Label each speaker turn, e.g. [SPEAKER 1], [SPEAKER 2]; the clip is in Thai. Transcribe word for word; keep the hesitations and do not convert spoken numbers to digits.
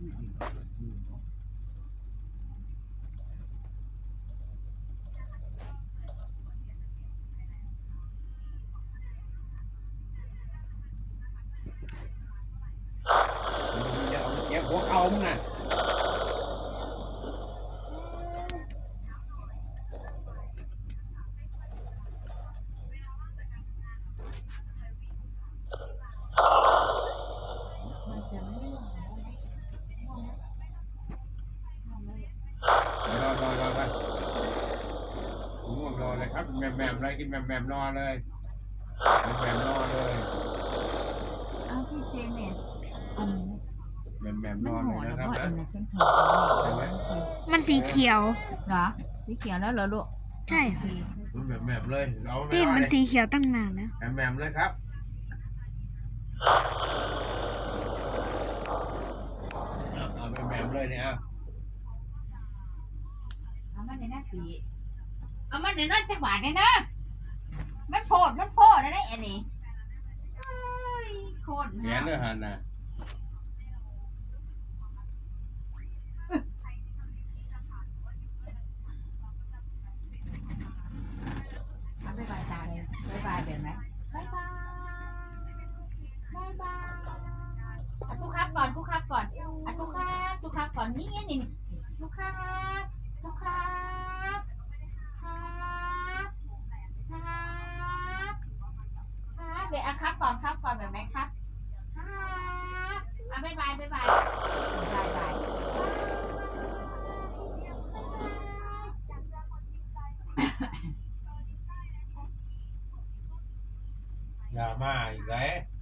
[SPEAKER 1] อย่าเอาเจ็บหัวเข่ามึงน่ะรอรอรอกันง่วงนอนเลยครับแหม่มแหม่มเลยกินแหม่มแหม่มนอนเลยแหม่มแหม่มนอนเลย
[SPEAKER 2] เอาพี่เจเน็ตอัน
[SPEAKER 1] แหม่มแหม่ม
[SPEAKER 2] มัน
[SPEAKER 1] นอน
[SPEAKER 2] โห
[SPEAKER 1] เลย
[SPEAKER 2] ด
[SPEAKER 1] นะ
[SPEAKER 2] แล้ว
[SPEAKER 1] ครับ
[SPEAKER 2] เพราะ
[SPEAKER 1] นะ
[SPEAKER 2] อันนั้นเป็นถุง
[SPEAKER 3] มันสีเขียว
[SPEAKER 2] เหรอสีเขียวแล้วเหรอลูก
[SPEAKER 3] ใช่
[SPEAKER 2] โอเค
[SPEAKER 1] แหม่มแหม่มเลยเอา
[SPEAKER 3] ตีน
[SPEAKER 1] ไว้
[SPEAKER 3] มัน
[SPEAKER 1] เลย
[SPEAKER 3] สีเขียวตั้งนานแล้ว
[SPEAKER 1] แหม่มแหม่มเลยครับเอาแหม่มแหม่มเลยเนี่ย
[SPEAKER 2] เอามันในหน้าสีเอามันในหน้าจังหวะเนี่ยนะมันโพดมันโพดอะไรอันนี้เอ้ยโคตร
[SPEAKER 1] แขนเนื้อหันนะ
[SPEAKER 2] เอาไปบายตาเลยบายบายเป็นไหมบายบายบายบายอ่ะทุกครับก่อนทุกครับก่อนอ่ะทุกครับทุกครับก่อนนี่นี่นี่ทุกครับทุกครับครับครับครับเดี๋ยวอ่ะครับก่อนครับก่อนแบบไหมครับครับอ่ะบายบายบายบายบายบาย
[SPEAKER 1] อย่ามาอีกแล้ว